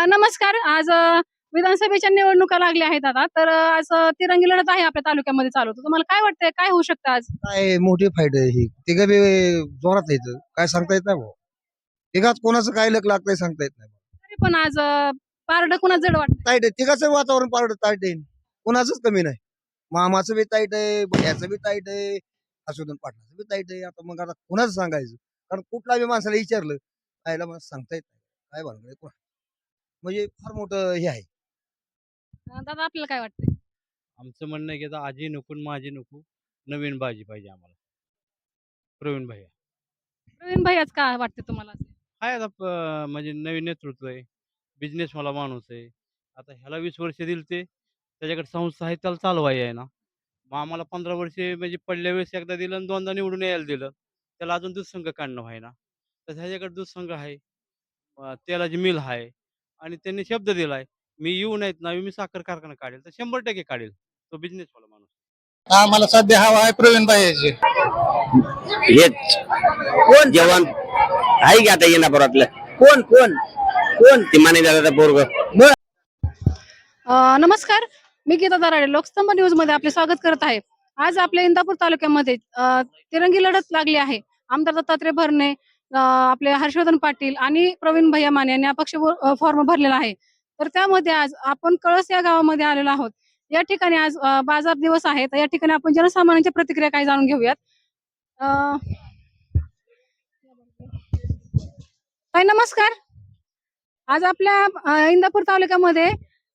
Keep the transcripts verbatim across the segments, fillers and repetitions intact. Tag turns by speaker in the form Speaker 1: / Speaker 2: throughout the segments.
Speaker 1: अ, नमस्कार. आज अ, विधानसभेच्या निवडणुका लागल्या आहेत आता. तर अ, आज अ, तिरंगी लढत आहे आपल्या तालुक्यामध्ये चालू. तर तुम्हाला काय वाटतंय काय होऊ शकतं आज?
Speaker 2: काय मोठी फाईट आहे ही. तिघं बी जोरात आहेत. काय सांगता येत नाही भाऊ. तिघात कोणाचं काय लक लागतंय सांगता येत नाही.
Speaker 1: तरी पण आज अ, पारडं कुणाचं जड वाटतंय?
Speaker 2: ताईट आहे. तिघाचं वातावरण पारड ताईट आहे. कोणाचंच कमी नाही. मामाचं बी ताईट आहे, भैयाचं बी ताईट आहे, असुदन पाटलाचं बी ताईट आहे. आता मग आता कोणाचं सांगायचं? कारण कुठला बी माणसाला विचारलं, आयला मला सांगता येत नाही. काय भानगड आहे कोण म्हणजे फार मोठं हे आहे.
Speaker 1: अ, दादा आपल्याला काय वाटतंय?
Speaker 3: आमचं म्हणणं आहे की आता आजी नको आणि माझी नको, नवीन बाजी पाहिजे आम्हाला. प्रवीण भैया.
Speaker 1: प्रवीण भैयाच का वाटते तुम्हाला?
Speaker 3: आहे आता प म्हणजे नवीन नेतृत्व आहे. बिझनेसवाला माणूस आहे. आता ह्याला वीस वर्ष दिली ते त्याच्याकडे संस्था आहे त्याला चालवायला आहे ना. मग आम्हाला पंधरा वर्षे म्हणजे पडल्या वेळेस एकदा दिलं आणि दोनदा निवडून यायला दिलं. त्याला अजून दूध संघ काढणं व्हायना. तर ह्याच्याकडे दूध संघ आहे. अ, तेलाची मिल आहे आणि त्यांनी शब्द दिलाय, मी येऊ नाहीत ना मी साखर कारखाना काढेल, तर शंभर टक्के काढेल. तो बिझनेसवाला माणूस.
Speaker 4: आम्हाला सध्या हवा आहे प्रवीण भाईची.
Speaker 5: हेच कोण जवान आहे की आता येणापुरातलं कोण कोण कोण ते माने दादा पोरग.
Speaker 1: अ, नमस्कार. मी गीता दराडे लोकस्तंभ न्यूज मध्ये आपले स्वागत करत आहे. आज आपल्या इंदापूर तालुक्यामध्ये अ, तिरंगी लढत लागली आहे. आमदार दत्तात्रय भरणे, अ, आपले हर्षवर्धन पाटील आणि प्रवीण भैया माने यांनी अपक्ष अ, फॉर्म भरलेला आहे. तर त्यामध्ये आज आपण कळस या गावामध्ये आलेलो आहोत. या ठिकाणी आज अ, बाजार दिवस आहे. तर या ठिकाणी आपण जनसामान्यांच्या प्रतिक्रिया काय जाणून घेऊयात. अ, ताई नमस्कार. आज आपल्या अ, इंदापूर तालुक्यामध्ये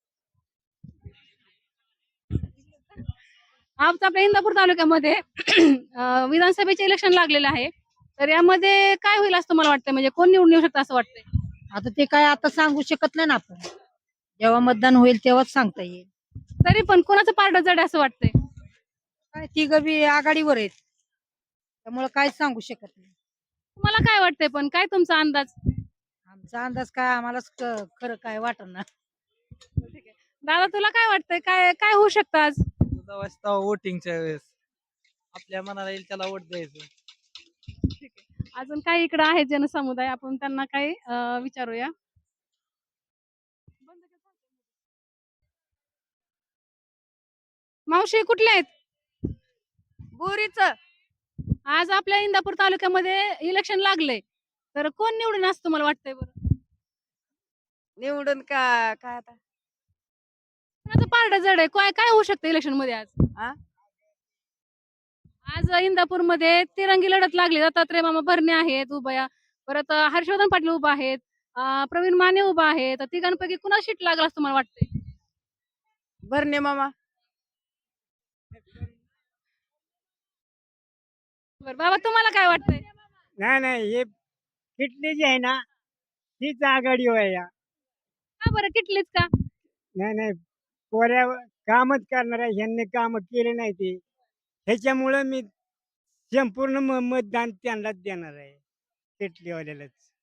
Speaker 1: आज आपल्या इंदापूर तालुक्यामध्ये अ, विधानसभेचे इलेक्शन लागलेले आहे. तर यामध्ये काय होईल असं तुम्हाला वाटतंय? म्हणजे कोण निवडून येऊ शकतं असं वाटतंय?
Speaker 6: आता ते काय आता सांगू शकत नाही ना आपण. जेव्हा मतदान होईल तेव्हाच सांगता येईल.
Speaker 1: तरी पण कोणाचं पारडं जड आहे असं वाटतंय?
Speaker 6: काय तिघं बी आघाडीवर आहेत. त्यामुळे काय सांगू शकत नाही.
Speaker 1: तुम्हाला काय वाटतंय पण काय तुमचा अंदाज?
Speaker 6: आमचा अंदाज काय आम्हालाच क- खरं काय वाटणार.
Speaker 1: दादा तुला काय वाटतंय? काय काय होऊ शकतं आज?
Speaker 7: चौदा वाजता वोटिंगच्या वेळेस आपल्या मनाला येईल त्याला वोट द्यायचं.
Speaker 1: अजून काही इकडे आहेत जनसमुदाय आपण त्यांना काही अ, विचारूया. मावशी कुठल्या आहेत?
Speaker 8: बोरीच
Speaker 1: आज आपल्या इंदापूर तालुक्यामध्ये इलेक्शन लागले. तर कोण निवडून असं तुम्हाला वाटतंय बरं?
Speaker 8: निवडून का काय आता
Speaker 1: कोणाचं पारडं जड आहे? काय काय होऊ शकतं इलेक्शन मध्ये आज?
Speaker 8: आ?
Speaker 1: आज इंदापूर मध्ये तिरंगी लढत लागली. दत्तात्रय मामा भरणे आहेत उभया. परत अ, हर्षवर्धन पाटील उभा आहेत. अ, प्रवीण माने उभा आहे. तर तिघांपैकी कुणाला सीट लागला असं तुम्हाला वाटतंय?
Speaker 8: भरणे मामा
Speaker 1: बरं बाबा तुम्हाला काय वाटतंय?
Speaker 7: नाही नाही हे किटली जी आहे ना तीच आघाडी आहे या.
Speaker 1: का बरं किटलीच का?
Speaker 7: नाही नाही कोऱ्या कामच करणार आहे ह्यांनी काम केले नाही ते ह्याच्यामुळं मी संपूर्ण म- मतदान त्यांनाच देणार आहे किटलीवाल्यालाच.